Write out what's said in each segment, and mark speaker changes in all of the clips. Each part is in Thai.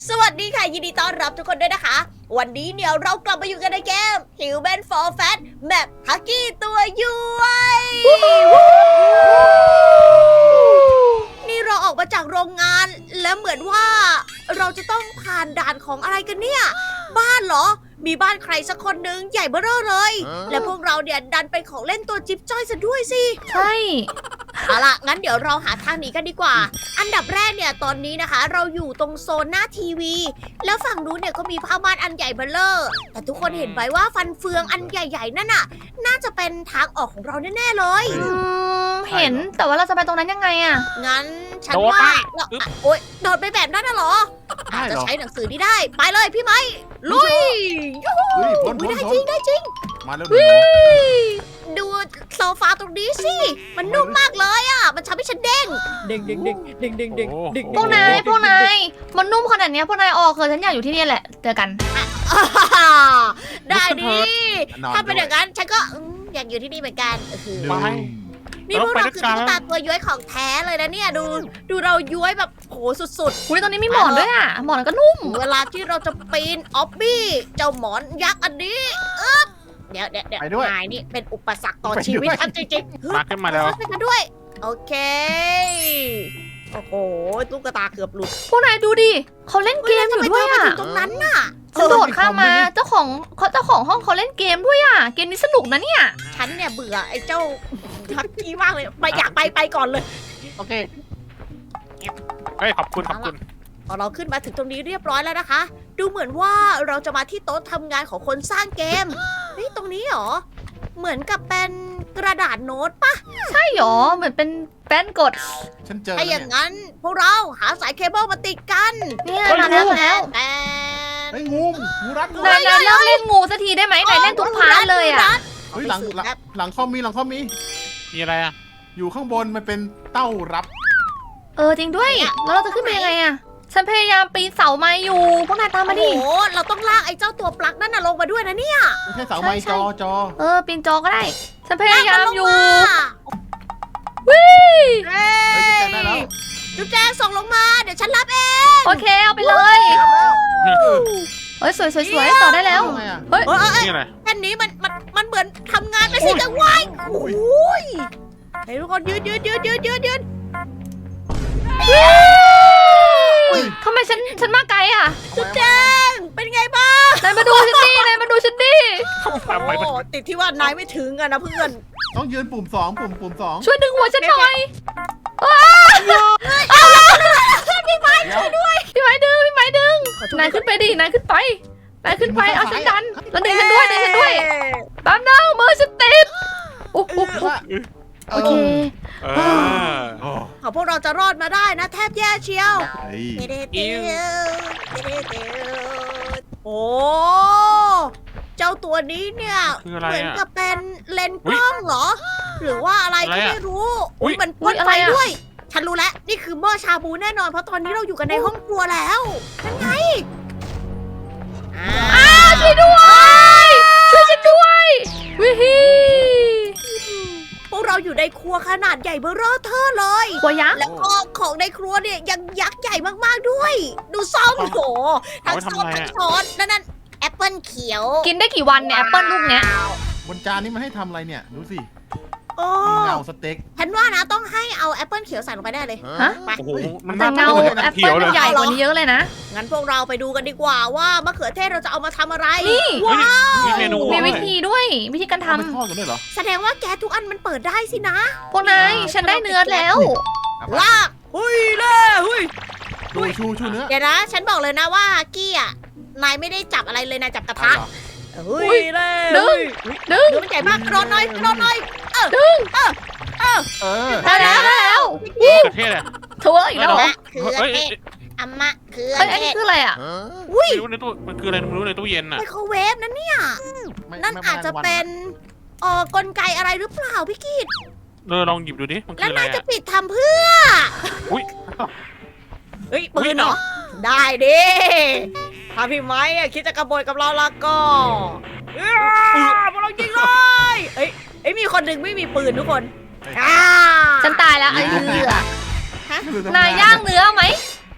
Speaker 1: สวัสดีค่ะยินดีต้อนรับทุกคนด้วยนะคะวันนี้เนี่ยเรากลับมาอยู่กันในเกม Human for Fat แบบฮักกี้ตัวย้วยนี่เราออกมาจากโรงงานและเหมือนว่าเราจะต้องผ่านด่านของอะไรกันเนี่ยบ้านเหรอมีบ้านใครสักคนหนึ่งใหญ่เบ้อเร่อเลยและพวกเราเนี่ยดันเป็นของเล่นตัวจิ๊บจ้อยซะด้วยสิ
Speaker 2: ใช่
Speaker 1: เอาล่ะงั้นเดี๋ยวเราหาทางหนีกันดีกว่า อันดับแรกเนี่ยตอนนี้นะคะ เราอยู่ตรงโซนหน้าทีวี แล้วฝั่งนู้นเนี่ยก็มีผ้าม่านอันใหญ่เบ้อเร่อแต่ทุกคนเห็นไหมว่าฟันเฟืองอันใหญ่ๆนั่นน่ะ น่าจะเป็นทางออกของเราแน่ๆเลย
Speaker 2: เห็นแต่ว่าเราจะไปตรงนั้นยังไงอะ
Speaker 1: งั้นฉันว่าเราโอ๊ยโดดไปแบบนั้นน่ะเหรออาจจะใช้หนังสือนี้ได้ไปเลยพี่ไม้ลุยยูหู
Speaker 3: เฮ้ยพ้น
Speaker 1: อุ๊ย
Speaker 3: พ้น
Speaker 1: ได้
Speaker 3: พ้
Speaker 1: จริ
Speaker 3: น
Speaker 1: งได้จริง
Speaker 3: มาแล้วหนู
Speaker 1: ดูโซฟาตรงนี้สิ มันนุ่มมากเลยอ่ะ มันทำให้ฉันเด้ง เด้งเด้งเด้งเด้งเด้งเด้งเด้ง
Speaker 2: พวกนายมันนุ่มขนาดเนี้ยพวกนายออกเถอะฉันอยากอยู่ที่นี่แหละเจอกัน
Speaker 1: ได้ดิ
Speaker 3: นอน
Speaker 1: ถ้าเป็น
Speaker 3: ด้
Speaker 1: อ
Speaker 3: วย
Speaker 1: ย่างนั้นฉันก็อยากอยู่ที่นี่เหมือนกันคือ
Speaker 3: ไป
Speaker 1: นี่พวกเราคือตุ๊กตาตัวย้วยของแท้เลยนะเนี่ย ดูเราย้วยแบบโหสุด
Speaker 2: อุ้ยตรงนี้มีหมอนด้วยอะหมอนก็นุ่ม
Speaker 1: ๆ เวลาที่เราจะปีนออบบี้เจ้าหมอนยักษ์อันนี้เดี๋ยวนายนี่เป็นอุปสรรคต่อชีวิตฉันจริงๆ
Speaker 4: มาขึ้นมาแล้ว
Speaker 1: ไปกันด้วย โอเค โอ้โหตุ๊กตาเกือบหลุด
Speaker 2: พวกนายดูดิเขาเล่นเกมอยู่ด้วย
Speaker 1: ทำไม
Speaker 2: อะ
Speaker 1: เธอมาถึงตรงนั้นน่ะ
Speaker 2: ฉันโดดข้ามมาเจ้าของห้องเขาเล่นเกมด้วยอะเกมนี้สนุกนะเนี่ย
Speaker 1: ฉันเนี่ยเบื่อไอ้เจ้าทักกี้มากเลยไปอยากไปก่อนเลย
Speaker 3: โอเค
Speaker 4: เฮ้ยขอบคุณ
Speaker 1: พอเราขึ้นมาถึงตรงนี้เรียบร้อยแล้วนะคะ ดูเหมือนว่าเราจะมาที่โต๊ะทำงานของคนสร้างเกม เฮ้ยตรงนี้เหรอ เหมือนกับเป็นกระดาษโน้ตปะ
Speaker 2: ใช่หรอเหมือนเป็นแป้นกด
Speaker 3: ฉันเจอ
Speaker 1: ถ้าอย่างนั้นพวกเราหาสายเคเบิลมาติดกัน
Speaker 2: เนี่ยมาแล้วมาแล้ว
Speaker 1: แต่
Speaker 3: ไอ้ยงูรัดงู
Speaker 2: นายเลิกเล่นงูสักทีได้ไหมนายเล่นทุกพาร์ทเลยอะ
Speaker 3: เฮ้ยหลังคอมมี
Speaker 4: มีอะไรอ่ะ
Speaker 3: อยู่ข้างบนมันเป็นเต้ารับ
Speaker 2: จริงด้วยแล้วเราจะขึ้นไปยังไงอะฉันพยายามปีนเสาไม้อยู่พวกนายตามมาดิ
Speaker 1: โอ้โหเราต้องลากไอ้เจ้าตัวปลั๊กนั่นน่ะลงมาด้วยนะเนี่ย
Speaker 3: ไม่ใช่เสาไม้จอ
Speaker 2: ปีนจอก็ได้ ฉันพยายามอยู่
Speaker 1: เฮ้
Speaker 3: เฮ้ยจะได้แล้ว
Speaker 1: จุ๊บแจงส่งลงมา เดี๋ยวฉันรับเอง
Speaker 2: โอเคเอาไปเลย เฮ้ยสวยต่อได้แล้ว
Speaker 3: ทำไมอ่ะ
Speaker 2: เฮ้ย
Speaker 4: นี่อะไร
Speaker 1: แค่นี้มันเหมือนทำงานไปสิจังวายโอ้ยให้ทุกคนยืน
Speaker 2: ทำไมฉันมาไกลอ่ะ
Speaker 1: จุ๊บแจงเป็นไงบ้าง
Speaker 2: นายมาดูฉันดินายมาดูฉันดิ
Speaker 4: ทำไมมัน
Speaker 1: โอ้ติดที่ว่านายไม่ถึงอะนะเพื่อน
Speaker 3: ต้องยืนปุ่มปุ่มสอง
Speaker 2: ช่วยดึงหัวฉันหน่อย
Speaker 3: พี่ไม้ช่วยด้วย
Speaker 2: พี่ไม้ดึงนายขึ้นไปดินายขึ้นไปเอาฉันดันแล้วดึงฉันด้วยแป๊บนึงมือฉันติดโอ้โหโอเค
Speaker 1: ขอพวกเราจะรอดมาได้นะแทบแย่เชียว
Speaker 3: เฮ้ย
Speaker 1: โอ้เจ้าตัวนี้เนี่ย
Speaker 4: คืออะไร
Speaker 1: เหมือน
Speaker 4: อ่ะ
Speaker 1: กับเป็นเลนส์กล้องเหรอ หรือว่าอะไรก็
Speaker 4: อะไรอะ
Speaker 1: ไม่รู้
Speaker 4: อุ๊ย
Speaker 1: มันพ่นไฟด้วย ฉันรู้แล้ว นี่คือหม้อชาบูแน่นอน เพราะตอนนี้เราอยู่กันในห้องครัวแล้วนั่นไง
Speaker 2: ช่วยด้วยช่วยฉันด้วยวิฮี
Speaker 1: พวกเราอยู่ในครัวขนาดใหญ่เบ้อเร่อเธอเลย
Speaker 2: หัวยักษ์
Speaker 1: แล้วก็ของในครัวเนี่ยยังยักษ์ใหญ่มากๆด้วย ดูซ่อมโหทั้งซ่อมทั้งช้อนนั่นแอปเปิลเขียว
Speaker 2: กินได้กี่วันเนี่ยแอปเปิลลูกเนี้ย
Speaker 3: บนจานนี้มันให้ทำอะไรเนี่ยดูสิ
Speaker 1: โอ้
Speaker 3: มีเงาสเต็ก
Speaker 1: ฉันว่านะต้องให้เอาแอปเปิลเขียวใส่ลงไปได้เลย
Speaker 2: ฮะ
Speaker 1: ไป
Speaker 4: โอ้โหมัน
Speaker 2: แต่เงา
Speaker 4: หมือน
Speaker 2: แอป
Speaker 4: เขี
Speaker 2: เปิ
Speaker 4: ย
Speaker 2: ล
Speaker 4: วเล
Speaker 2: มัน
Speaker 4: ย
Speaker 2: ใหญ่กว่านี้เยอะเลยนะ
Speaker 1: งั้นพวกเราไปดูกันดีกว่าว่ามะเขือเทศเราจะเอามาทำอะไร
Speaker 2: นี่
Speaker 1: ว้าว
Speaker 4: มีเมนู
Speaker 2: มีวิธีด้วยวิธีการท
Speaker 3: เอาไปทอดกันด้วยเหรอ
Speaker 1: แสดงว่าแก๊สทุกอันมันเปิดได้สินะ
Speaker 2: ำพวกนายฉันได้เนื้อแล้ว
Speaker 1: ลากหุยเล่หุย
Speaker 3: ชูเนื้อ
Speaker 1: เดี๋ยวนะ ฉันบอกเลยนะว่ากี้อ่ะนายไม่ได้จับอะไรเลยนายจับกระทะหุยเล่
Speaker 2: ดึง
Speaker 1: เนื้อมันใหญ่มากรอหน่อย
Speaker 2: ดึง ได้แล้ว
Speaker 4: มะเขือเทศอ่ะ
Speaker 2: ถั่วอีกแล้วเหรอ
Speaker 1: เขือเทศอัมมะเขือ
Speaker 2: เฮ้ยอัน
Speaker 1: เท
Speaker 2: นี้
Speaker 1: ศ
Speaker 2: คืออะไรอ่ะ
Speaker 1: อุ้ย
Speaker 4: ไม่รู้ในตู้มันคืออะไรไม่รู้ในตู้เย็นอ่ะ
Speaker 1: ไมโครเวฟนั่นเนี่ย นั่นอาจจะเป็นกลไกอะไรหรือเปล่าพี่กีด
Speaker 4: ลองหยิบดูดิมันคื
Speaker 1: แล้ว
Speaker 4: ออะไร
Speaker 1: นายจะ
Speaker 4: อ่ะ
Speaker 1: ปิดทำเพื่อ
Speaker 4: อุ้ย
Speaker 1: เฮ้ยปืนเหรอ ได้ดิถ้าพี่ไม้อะคิดจะกระโบยกับเราละก็พวกเรายิงเลยเอ้ยมีคนหนึ่งไม่มีปืนทุกคนอ่า
Speaker 2: ฉันตายแล้วไอ้เหี้ยนายย่างเนื้อไหม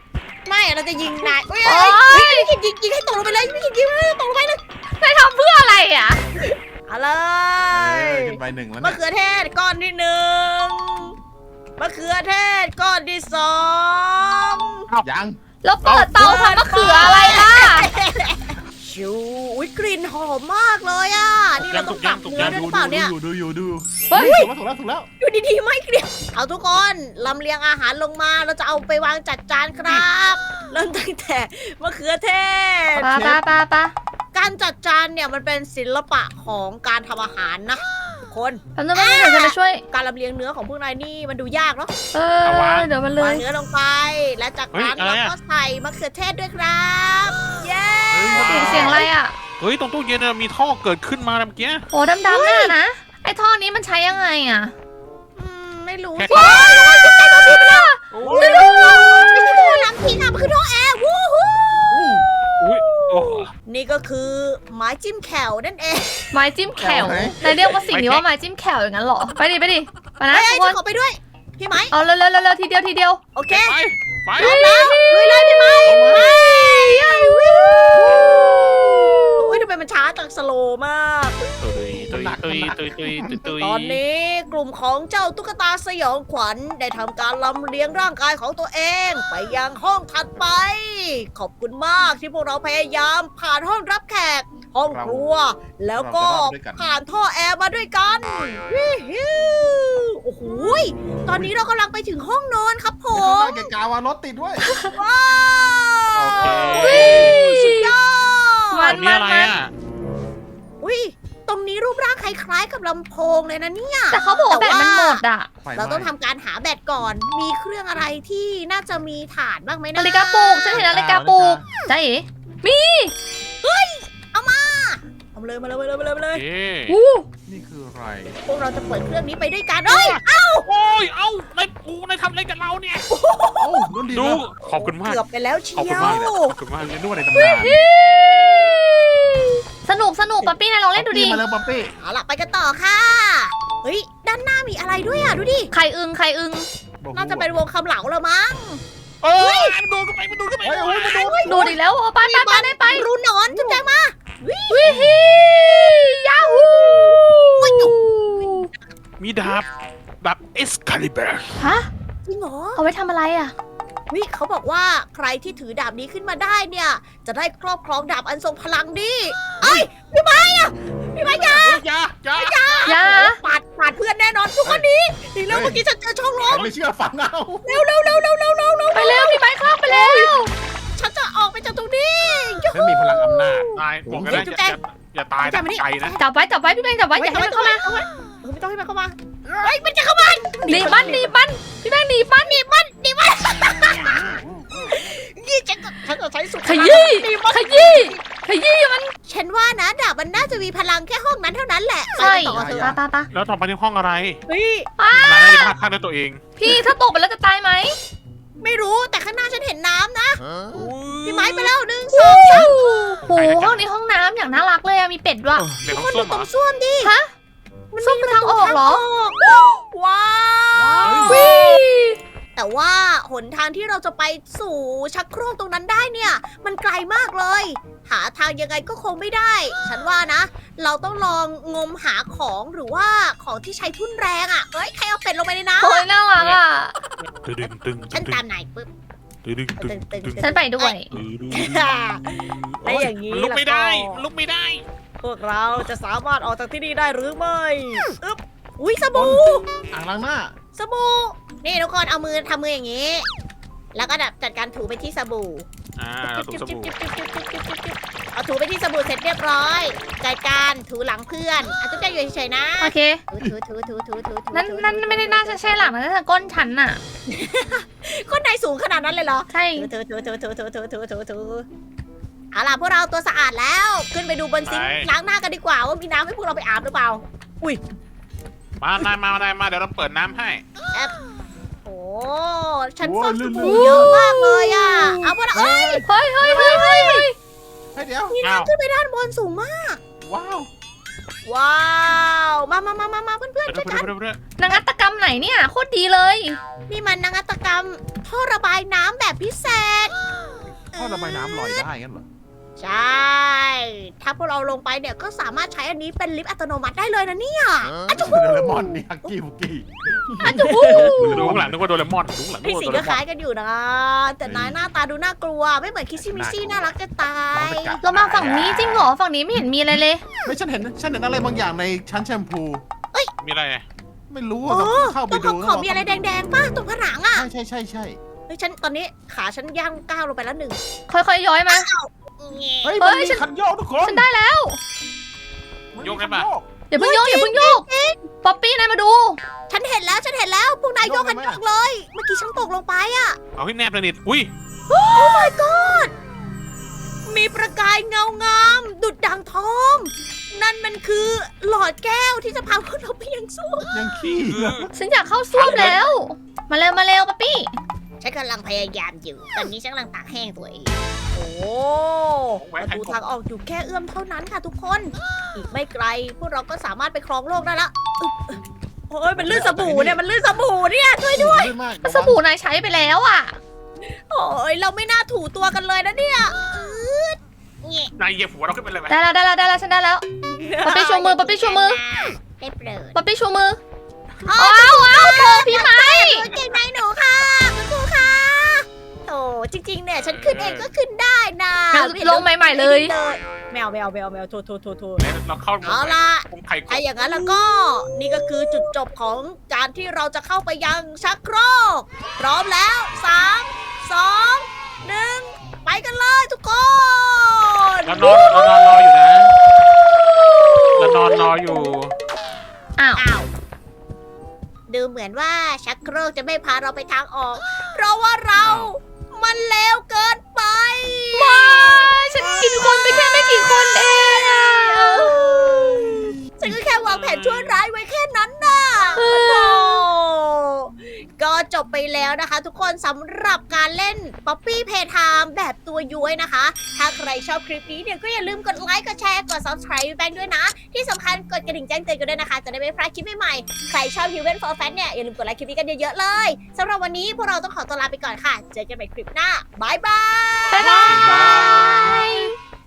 Speaker 1: ไม่เราจะยิงนายเฮ้ย
Speaker 2: โอ๊ย
Speaker 1: ไม่คิดยิงให้ตกลงไปเลยไม่คิดยิงให้ตกลงไปเลย
Speaker 2: นายทำเพื่ออะไรอ่ะ
Speaker 1: เอาเล
Speaker 3: เอย อขึ้นไปหนึ่งแล้ว
Speaker 1: มะ
Speaker 3: เนี่ย
Speaker 1: เขือเทศก้อนที่หนึ่งมะเขือเทศก้อนที่สอง
Speaker 3: ยัง
Speaker 2: แล้วเปิดเตาทำมะเขืออะไรล่ะ
Speaker 1: ชูอุ๊ยกลิ่นหอมมากเลยอ่ะนี่เราต้องตักเนื้อด้วยหรือเปล่าเนี่ย
Speaker 3: ดูอยู่
Speaker 2: เฮ้ย
Speaker 3: ถูกแล้ว
Speaker 1: อยู่ดีๆไม่เกลียดเอาทุกคนลำเลียงอาหารลงมาเราจะเอาไปวางจัดจานครับเริ่มตั้งแต่มะเขือเทศ
Speaker 2: ปะ
Speaker 1: การจัดจานเนี่ยมันเป็นศิลปะของการทำอาหารนะทุกคน
Speaker 2: แป๊บนึงเดี๋ยวฉันไปช่วย
Speaker 1: การลำเลียงเนื้อของพวกนายนี่มันดูยากเนาะ
Speaker 2: เดี๋ยวมันเล
Speaker 1: วาง
Speaker 2: ย
Speaker 1: เนื้อลงไป และจากนั้นเราก็ใส่มะเขือเทศด้วยครับ เย้
Speaker 2: เสียงอะไรอ่ะ
Speaker 4: เฮ้ยตรงตู้เย็นน่ะมีท่อเกิดขึ้นมาเมื่อกี้
Speaker 2: โอ้ดำๆน่ะนะ ไอ้ท่อนี้มันใช้ยังไงอ่ะ
Speaker 1: ไม่รู้
Speaker 4: แค่
Speaker 1: สิไม่ใช่ท่อน้ำทิ้งนะ
Speaker 4: โอ้
Speaker 1: มันคือท่อแอร์วู้ฮู้
Speaker 4: อุ้ยโอ้
Speaker 1: นี่ก็คือไม้จิ้มแขวนั่นเอง
Speaker 2: ไม้จิ้มแขวนายเรียกว่าสิ่งนี้ว่าไม้จิ้มแขวอย่างนั้นเหรอ ไปดิไปนะ
Speaker 1: เฮ้ย
Speaker 2: ทุกคน
Speaker 1: ขอไปด้วย พี่ไหม
Speaker 2: เอาเร็วทีเดียว
Speaker 1: โอเค
Speaker 4: ไป
Speaker 1: พร้อมแล้วลุยเลยพี่ไหมไปอุ้ยทำไมมันช้าจังสโลว์มาก
Speaker 4: ตุย
Speaker 1: ตอนนี้กลุ่มของเจ้าตุ๊กตาสยองขวัญได้ทำการลำเลียงร่างกายของตัวเอง ไปยังห้องถัดไป ขอบคุณมากที่พวกเราพยายามผ่านห้องรับแขก ห้องครัว แล้วก็ผ่านท่อแอร์มาด้วยกันวิฮิวโอ้โหยตอนนี้เรากำลังไปถึงห้องนอนครับผ
Speaker 3: ผม
Speaker 1: ม
Speaker 3: แกกาวารถติดด้วย
Speaker 1: ว้าว
Speaker 4: โอเค
Speaker 1: สุดยอ
Speaker 2: มั
Speaker 1: ด
Speaker 4: ตรงนี้อะไรอ่ะ
Speaker 1: อุ้ยตรงนี้รูปร่างคล้ายๆกับลำโพงเลยนะเนี่ย
Speaker 2: แต่เขาบอกว่าแบตมันหมดอ่ะ
Speaker 1: เราต้องทำการหาแบตก่อน มีเครื่องอะไรที่น่าจะมีฐานบ้างไหมนะ
Speaker 2: นาฬิกาปลุกฉันเห็นนาฬิกาปลุกจ้าเอ๋มี
Speaker 1: เอามาเลยมาเลย
Speaker 4: เอ๊ะ
Speaker 2: อู้
Speaker 3: นี่คืออะไร
Speaker 1: พวกเราจะเปิดเครื่องนี้ไปด้วยกันเอ้ย
Speaker 4: โอ้ยเอ้านายทำอะไรกับเราเนี่ย
Speaker 3: โอ้โดนดี
Speaker 4: ดู
Speaker 3: แล้ว
Speaker 4: ขอบคุณมาก
Speaker 1: เกือบไปแล้วเชี
Speaker 4: ขอบ
Speaker 1: ย
Speaker 4: คุณ
Speaker 1: ว
Speaker 4: มากขอบคุณมาก
Speaker 3: เรียนนวดในตำนาน
Speaker 2: สนุกป๊อปปี้นายลองเล่นดูดิ
Speaker 3: มาแล้วป๊อปปี้
Speaker 1: เอาล่ะไปกันต่อค่ะ เฮ้ย ด้านหน้ามีอะไรด้วยอ่ะ ดูดิ
Speaker 2: ใครอึง
Speaker 1: น่าจะเป็นวงคำเหลาแล้วมั้ง
Speaker 4: เอ้ยมันดูกันไป
Speaker 3: เฮ้ยมันดู
Speaker 2: ดูดิแล้วไป
Speaker 1: รูหนอนจุ๊บแจงมา
Speaker 2: วิฮียาฮู
Speaker 4: มีดาบเอสคาลิเบอร์
Speaker 2: ฮะ
Speaker 1: จริงเหรอ
Speaker 2: เอาไว้ทำอะไรอ่ะ
Speaker 1: วิเขาบอกว่าใครที่ถือดาบนี้ขึ้นมาได้เนี่ย จะได้ครอบครองดาบอันทรงพลังดิเอ้ยพี่ไม้อะพี่ไม้อย่า
Speaker 4: อย่า
Speaker 1: ปาดเพื่อนแน่นอนทุกคนนี้ดีแล้วเมื่อกี้ฉันเจอช่องล
Speaker 3: ใคร
Speaker 1: ม
Speaker 3: ไม่เชื่อฟังเอา
Speaker 1: เร็ว
Speaker 2: ไปเร็วพี่ไม้ครับไปเร็ว
Speaker 1: ฉันจะออกไปจากตรงนี้ยู
Speaker 3: ฉันมีพลังอำนาจ
Speaker 4: ตายบอกกันได้อย่าตายนะใจนะ
Speaker 2: จับไว้พี่แบงค์จับไว้อย่าให้มันเข้ามา
Speaker 1: ไม่ต้องให้มันเข้ามาเฮ้ยมันจะเข้ามา
Speaker 2: หนีมันพี่แบงค์หนีมัน
Speaker 1: นี่ฉันจะใช้สุด
Speaker 2: ขยี้มัน
Speaker 1: ฉันว่านะดาบมันน่าจะมีพลังแค่ห้องนั้นเท่านั้นแหละ
Speaker 2: ใช่
Speaker 1: ไปกันต่อเถอะ
Speaker 2: ตา
Speaker 4: แล้วต่อไปในห้องอะไร
Speaker 1: เฮ้ย
Speaker 4: นายจะพลาดข้างด้วยตัวเอง
Speaker 2: พี่ถ้าตกไปแล้วจะตายไหม
Speaker 1: ไม่รู้แต่ข้างหน้าฉันเห็นน้ำนะ พี่
Speaker 4: พี่
Speaker 1: ไม้ไปแล้ว1 2
Speaker 2: โอ้โหห้องนี้ห้องน้ำอย่างน่ารักเลยมีเป็ดด้วย
Speaker 4: เดี๋ยว
Speaker 1: คน
Speaker 4: ส้
Speaker 1: ดู
Speaker 4: ม
Speaker 1: ตรง
Speaker 4: อ่ะ
Speaker 1: ส้วมดิ
Speaker 2: ฮะส้มคือทางออกเหรอ
Speaker 1: ว้าว
Speaker 2: วิ
Speaker 1: แต่ว่าหนทางที่เราจะไปสู่ชักโครกตรงนั้นได้เนี่ย มันไกลมากเลย หาทางยังไงก็คงไม่ได้ ฉันว่านะ เราต้องลองงมหาของหรือว่าของที่ใช้ทุ่นแรงอ่ะเฮ้ยใครเอาเป็ดลงไปในน้ำ
Speaker 2: โอ้ยน่ารักอ่ะ
Speaker 4: ตึง
Speaker 1: ฉันตามนายปุ๊บ
Speaker 2: ฉันไปด้วย
Speaker 1: และอย่างนี้
Speaker 4: ลุกไม่ได้ลุกไม่ได้
Speaker 1: พวกเราจะสามารถออกจากที่นี่ได้หรือไม่อึ๊บอุ้ยสบู่
Speaker 3: อ่างล้างหน้า
Speaker 1: สบู่นี่ทุกคนเอามือทำมืออย่างนี้ แล้วก็จัดการถูไปที่สบู่
Speaker 4: ถูกสบู่
Speaker 1: เอาถูไปที่สบู่เสร็จเรียบร้อยจัดการถูหลังเพื่อนอ่ะทุกอย่างอยู่เฉยๆนะ
Speaker 2: โอเค
Speaker 1: ถู
Speaker 2: นั่นไม่ได้น่าจะใช่หลังนะแต่ก้นฉันน่ะ
Speaker 1: คนไหนสูงขนาดนั้นเลยเหรอ
Speaker 2: ใช่
Speaker 1: ถูเอาล่ะพวกเราตัวสะอาดแล้วขึ้นไปดูบนซิงค์ล้างหน้ากันดีกว่าว่ามีน้ำให้พวกเราไปอาบหรือเปล่า
Speaker 4: มาเดี๋ยวเราเปิดน้ำให้
Speaker 1: โอ้ฉันฟอกสบู่เยอะมากเลยอ่ะเอาพวกเราเอ้ย
Speaker 2: เฮ้ย
Speaker 3: ให้เดี๋ยว
Speaker 1: มีน้ำขึ้นไปด้านบนสูงมาก
Speaker 3: ว้าว
Speaker 1: ว้าวมาเพื่อนๆช่วยกัน
Speaker 2: นวัตกรรมไหนเนี่ยโคตรดีเลย
Speaker 1: นี่มันนวัตกรรมท่อระบายน้ำแบบพิเศษ
Speaker 3: ท่อระบายน้ำลอยได้งั้นเหรอ
Speaker 1: ใช่ ถ้าพวกเราลงไปเนี่ยก็สามารถใช้อันนี้เป็นลิฟต์อัตโนมัติได้เลยนะเนี่ย
Speaker 3: โดเรมอนนี่ฮักกี้บุกกี้
Speaker 4: ดูข้างหลังนึกว่าโดเรมอนดูข้างหลังนึ
Speaker 1: พี่
Speaker 4: กว่า
Speaker 1: สี
Speaker 4: โดเร
Speaker 1: ก็
Speaker 4: ม
Speaker 1: ค
Speaker 4: อ
Speaker 1: ล้าน ยกันอยู่นะ แต่นายหน้าตาดูน่ากลัว ไม่เหมือนคิสซี่มิซี่น่ารักจะตาย
Speaker 2: เรามาฝั่งนี้จริงเหรอฝั่งนี้ไม่เห็นมีอะไรเลย
Speaker 3: ไม่ฉันเห็นอะไรบางอย่างในชั้นแชมพู
Speaker 4: มีอะไร
Speaker 3: ไม่รู้
Speaker 1: โอ้
Speaker 3: อะต้องเข้าไป
Speaker 1: ตรง
Speaker 3: ดู
Speaker 1: ขอบมีอะไรแดงๆป่ะตรงผนังอ่ะ
Speaker 3: ใช่
Speaker 1: เฮ้ยฉันตอนนี้ขาฉันย่างก้าวลงไปแล้วหนึ่ง
Speaker 2: ค่อยๆย้อยมา
Speaker 3: เฮ้ยมันมีคันโยกทุกคน
Speaker 2: ฉันได้แล้ว
Speaker 4: โยกได้ปะ
Speaker 2: อย่าเพิ่งโยกอย่าเพิ่งโยกป๊อปปี้นายมาดู
Speaker 1: ฉันเห็นแล้วพวกนายโยกกันโยกเลย เมื่อกี้ฉันตกลงไปอ่ะ
Speaker 4: เอาให้แนบเลยนิดอุ้ย
Speaker 1: โอ้ my god มีประกายเงางามดุดดังทอง นั่นมันคือหลอดแก้วที่จะพาพวกเราไปยังส้วม
Speaker 3: ยังขี้
Speaker 2: ฉันอยากเข้าส้วมแล้ว มาเร็วป๊อปปี้
Speaker 1: ฉันกำลังพยายามอยู่ ตอนนี้ฉันกำลังตากแห้งตัวเอง โอ้ประตูทางออกอยู่แค่เอื้อมเท่านั้นค่ะทุกคน อีกไม่ไกล พวกเราก็สามารถไปครองโลกได้ละอึ๊บโอ้ยมันลื่นสบู่เนี่ยช่วยด้วย
Speaker 3: มาก
Speaker 2: สบู่นายใช้ไปแล้วอ่ะ
Speaker 1: โอ้ยเราไม่น่าถูตัวกันเลยนะเนี่ยอืดเงี้ย
Speaker 4: นายเหยียบหัวเราขึ้นไปเลยไหม
Speaker 2: ได้แล้วฉันได้แล้ว ป๊อปปี้ชูมือ
Speaker 1: ได้เปลิด
Speaker 2: ป๊อปปี้ชูมือ
Speaker 1: อ๋อ
Speaker 2: ว้าวโถพี่ไม้
Speaker 1: เก่งในหนูค่ะคุณครูค่ะโอ้จริงๆเนี่ยฉันขึ้นเองก็ขึ้นได้นะ
Speaker 2: ลงใหม่ๆเลย
Speaker 1: แมวโทษ
Speaker 4: เราเข้า
Speaker 1: เอาล่ะ
Speaker 4: ผมไข่ก
Speaker 1: ถ้าอย่างนั้นแล้วก็นี่ก็คือจุดจบของการที่เราจะเข้าไปยังชักโครกพร้อมแล้ว 3 2 1 ไปกันเลยทุกคน
Speaker 4: เรานอนรออยู่นะเรานอนรออยู่
Speaker 2: อ้าว
Speaker 1: อ้าวดูเหมือนว่าชักโครกจะไม่พาเราไปทางออก เพราะว่าเรามันเลวเกินไป
Speaker 2: ฉันกินคนไปแค่ไม่กี่คนเองอะ
Speaker 1: ฉันก็แค่วางแผนชั่วร้ายไว้แค่นั้นน่ะโอ้ก็จบไปแล้วนะคะทุกคนสำหรับการเล่น Poppy Playtime แบบตัวย้วยนะคะ ถ้าใครชอบคลิปนี้เนี่ยก็อย่าลืมกดไลค์ กดแชร์ กด subscribe แบงค์ด้วยนะ ที่สำคัญกดกระดิ่งแจ้งเตือนกันด้วยนะคะ จะได้ไม่พลาดคลิปใหม่ๆ ใครชอบ Human for Fan เนี่ยอย่าลืมกดไลค์คลิปนี้กันเยอะๆเลยสำหรับวันนี้พวกเราต้องขอตัวลาไปก่อนค่ะ เจอกันใหม่คลิปหน้าบายบาย
Speaker 2: บ๊ายบาย